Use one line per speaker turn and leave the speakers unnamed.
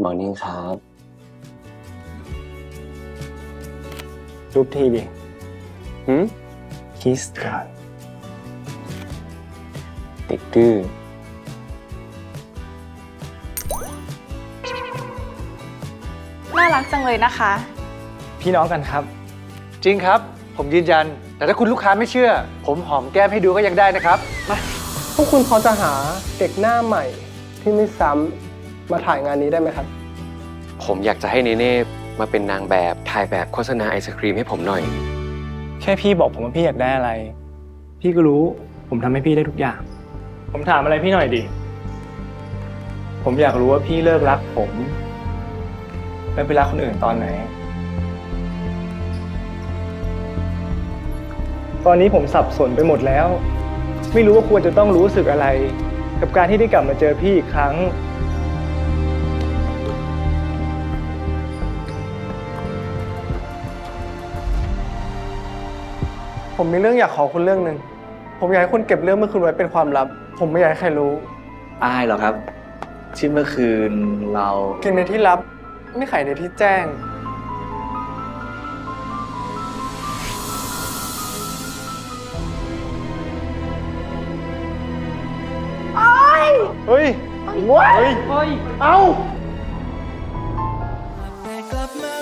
Morning ครับ
รูปทีดิ
คิสกันติดดื้อ
น่ารักจังเลยนะคะ
พี่น้องกันครับ
จริงครับ ผมยืนยัน แต่ถ้าคุณลูกค้าไม่เชื่อ ผมหอมแก้มให้ดูก็ยังได้นะครับ
พวกคุณพอจะหาเด็กหน้าใหม่ที่ไม่ซ้ำมาถ่ายงานนี้ได้ไหมครับ
ผมอยากจะให้เนเน่มาเป็นนางแบบถ่ายแบบโฆษณาไอศครีมให้ผมหน่อย
แค่พี่บอกผมว่าพี่อยากได้อะไร พี่ก็รู้ ผมทำให้พี่ได้ทุกอย่าง ผมถามอะไรพี่หน่อยดิ ผมอยากรู้ว่าพี่เลิกรักผมแล้วไปรักคนอื่นตอนไหน ตอนนี้ผมสับสนไปหมดแล้ว ไม่รู้ว่าควรจะต้องรู้สึกอะไร กับการที่ได้กลับมาเจอพี่อีกครั้ง
ผมมีเรื่องอยากขอคุณเรื่องหนึ่ง ผมอยากให้คุณเก็บเรื่องเมื่อคืนไว้เป็นความลับ ผมไม่อยากให้ใครรู้
อายเหรอครับ ที่เมื่อคืนเรา
กินในที่ลับ ไม่ขายในที่แจ้ง
เฮ้ย เฮ้ย
เอ้า
กลับมา